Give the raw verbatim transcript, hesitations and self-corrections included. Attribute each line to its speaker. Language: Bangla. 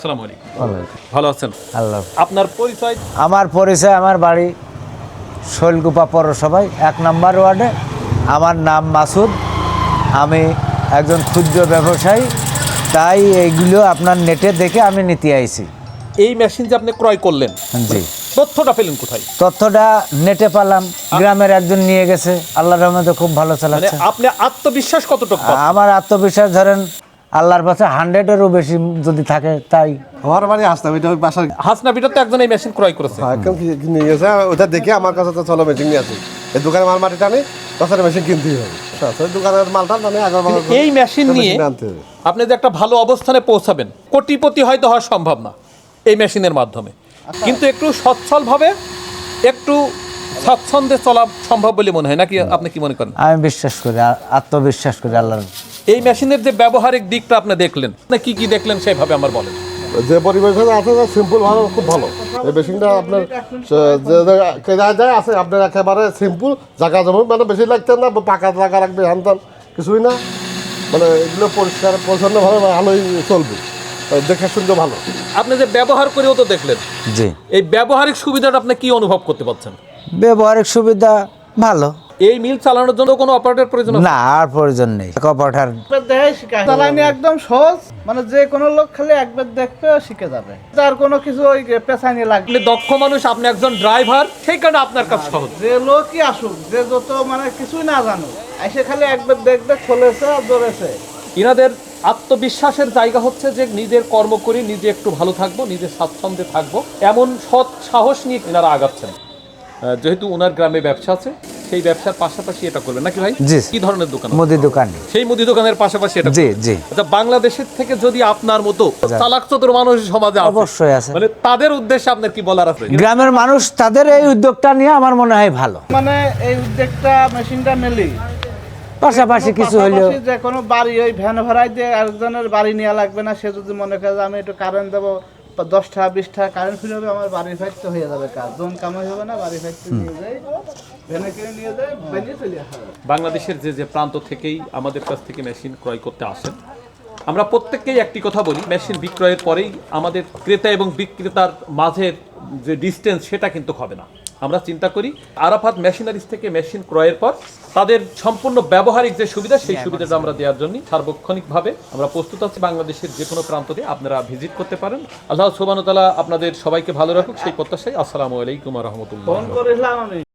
Speaker 1: আসসালামু আলাইকুম। ভালো আছেন?
Speaker 2: আল্লাহ।
Speaker 1: আপনার পরিচয়?
Speaker 2: আমার পরিচয়, আমার বাড়ি শৈলকুপা পৌরসভায় এক নম্বর ওয়ার্ডে। আমার নাম মাসুদ। আমি একজন ক্ষুদ্র ব্যবসায়ী, তাই এইগুলো আপনার নেটে দেখে আমি নিতে আইছি।
Speaker 1: এই মেশিন যে আপনি ক্রয় করলেন,
Speaker 2: জি,
Speaker 1: তথ্যটা পেলেন কোথায়?
Speaker 2: তথ্যটা নেটে পেলাম, গ্রামের একজন নিয়ে গেছে, আল্লাহর রহমতে খুব ভালো
Speaker 1: মানে
Speaker 2: চালাচ্ছে।
Speaker 1: আপনি আত্মবিশ্বাস কতটুকু পাচ্ছেন?
Speaker 2: আমার আত্মবিশ্বাস ধরেন আল্লাহর কাছে হান্ড্রেডেরও বেশি যদি থাকে তাই।
Speaker 3: আমার বাড়ি হাসনাম, এটা ওই বাসার
Speaker 1: হাসনাবিটা তো একজন এই মেশিন ক্রয় করেছে।
Speaker 3: একদম নিয়ে গেছে, ওটা দেখে আমার কাছে তো চলো মেশিন নিয়ে আসি। এই দোকানে মাল মাটি টানে, তাছাড়া মেশিন কিনতেই হবে। ওই দোকানের মালটা টানে আগে
Speaker 1: এই মেশিন নিয়ে
Speaker 3: আনতে হবে।
Speaker 1: আপনি যে একটা ভালো অবস্থানে পৌঁছাবেন, কোটিপতি হয়তো হওয়া সম্ভব না এই মেশিনের মাধ্যমে, কিন্তু একটু সচ্ছলভাবে একটু স্বাচ্ছন্দ্যে চলা সম্ভব বলে মনে হয় নাকি? আপনি কি মনে করেন?
Speaker 2: আমি বিশ্বাস করি, আ- আত্মবিশ্বাস করি আল্লাহর।
Speaker 1: এই মেশিনের যে ব্যবহারিক দিকটা আপনি দেখলেন, না কি কি দেখলেন সেভাবে আমার বলেন।
Speaker 3: যে পরিবেশে আছে সিম্পল ভালো, খুব ভালো। এই মেশিনটা আপনার যে জায়গায় আছে আপনার একেবারে সিম্পল জায়গা জমি, মানে বেশি লাগতেন না, পাকা জায়গা রাখবে হানতান কিছুই না, মানে এগুলো পরিষ্কার পরিচ্ছন্ন ভাবে ভালোই চলবে, দেখে শুনতে ভালো।
Speaker 1: আপনি যে ব্যবহার করেও তো দেখলেন,
Speaker 2: জি,
Speaker 1: এই ব্যবহারিক সুবিধাটা আপনি কি অনুভব করতে পারছেন?
Speaker 2: ব্যবহারিক সুবিধা ভালো।
Speaker 1: এই মিল চালানোর জন্য কোনো অপারেটর প্রয়োজন আছে?
Speaker 2: না, আর প্রয়োজন নেই। কপাঠার
Speaker 4: চালানি একদম সহজ, মানে যে কোনো লোক খালি একবার দেখবে শিখে যাবে, তার কোনো কিছু ওই পেছানি লাগবে।
Speaker 1: আপনি দক্ষ মানুষ, আপনি একজন ড্রাইভার, সেই কারণে আপনার কাজ সহজ।
Speaker 4: যে লোকই আসুক, যে যত মানে কিছুই না জানুক, এসে খালি একবার দেখবে, খোলেছে আর ধরেছে।
Speaker 1: ইনাদের আত্মবিশ্বাসের জায়গা হচ্ছে যে নিজের কর্ম করি, নিজে একটু ভালো থাকবো, নিজে স্বাচ্ছন্দ্যে থাকবো, এমন সৎ সাহস নিয়ে ইনারা আগাচ্ছেন। আহ, যেহেতু ওনার গ্রামে ব্যবসা আছে, সেই ব্যবসার পাশাপাশি এটা করবেন নাকি ভাই?
Speaker 2: জি।
Speaker 1: কি ধরনের দোকান?
Speaker 2: মুদি দোকান।
Speaker 1: সেই মুদি দোকানের পাশাপাশি এটা
Speaker 2: জি,
Speaker 1: করবেন।
Speaker 2: জি।
Speaker 1: আচ্ছা, বাংলাদেশের থেকে যদি আপনার মতো চালাক চতুর মানুষ সমাজে আছে,
Speaker 2: অবশ্যই আছে।
Speaker 1: মানে তাদের উদ্দেশ্যে আপনার কি বলার আছে?
Speaker 2: গ্রামের মানুষ তাদের এই উদ্যোগটা নিয়ে আমার মনে হয় ভালো।
Speaker 4: মানে এই উদ্যোগটা মেশিনটা মেলি
Speaker 2: পাশাপাশি কিছু হলেও
Speaker 4: পাশাপাশি যে কোনো বাড়ি ওই ভ্যান ভাড়ায় দিয়ে আরেকজনের বাড়ি নেওয়া লাগবে না। সে যদি মনে করে যে আমি একটু কারেন্ট দেবো, দশটা বিশটা কারেন্ট ফিরে হবে, আমার বাড়ি ফাইতে হয়ে যাবে কাজ, জন কামাই হবে না, বাড়ি ফাইতে নিয়ে যাই, ভ্যানে কিনে নিয়ে যায়, বেরিয়ে চলে আসা হবে।
Speaker 1: বাংলাদেশের যে যে প্রান্ত থেকেই আমাদের কাছ থেকে মেশিন ক্রয় করতে আসেন, আমরা প্রত্যেককেই একটি কথা বলি, মেশিন বিক্রয়ের পরেই আমাদের ক্রেতা এবং বিক্রেতার মাঝের যে ডিস্টেন্স সেটা কিন্তু হবে না। আমরা চিন্তা করি আরাফাত মেশিনারিজ থেকে মেশিন ক্রয়ের পর তাদের সম্পূর্ণ ব্যবহারিক যে সুবিধা, সেই সুবিধাটা আমরা দেওয়ার জন্য সার্বক্ষণিকভাবে আমরা প্রস্তুত আছি। বাংলাদেশের যে কোনো প্রান্ততে আপনারা ভিজিট করতে পারেন। আল্লাহ সুবহানাহু ওয়া তাআলা আপনাদের সবাইকে ভালো রাখুক, সেই প্রত্যাশায়। আসসালামু আলাইকুম ওয়া রাহমাতুল্লাহ।
Speaker 4: ফোন করেছিলাম আমি।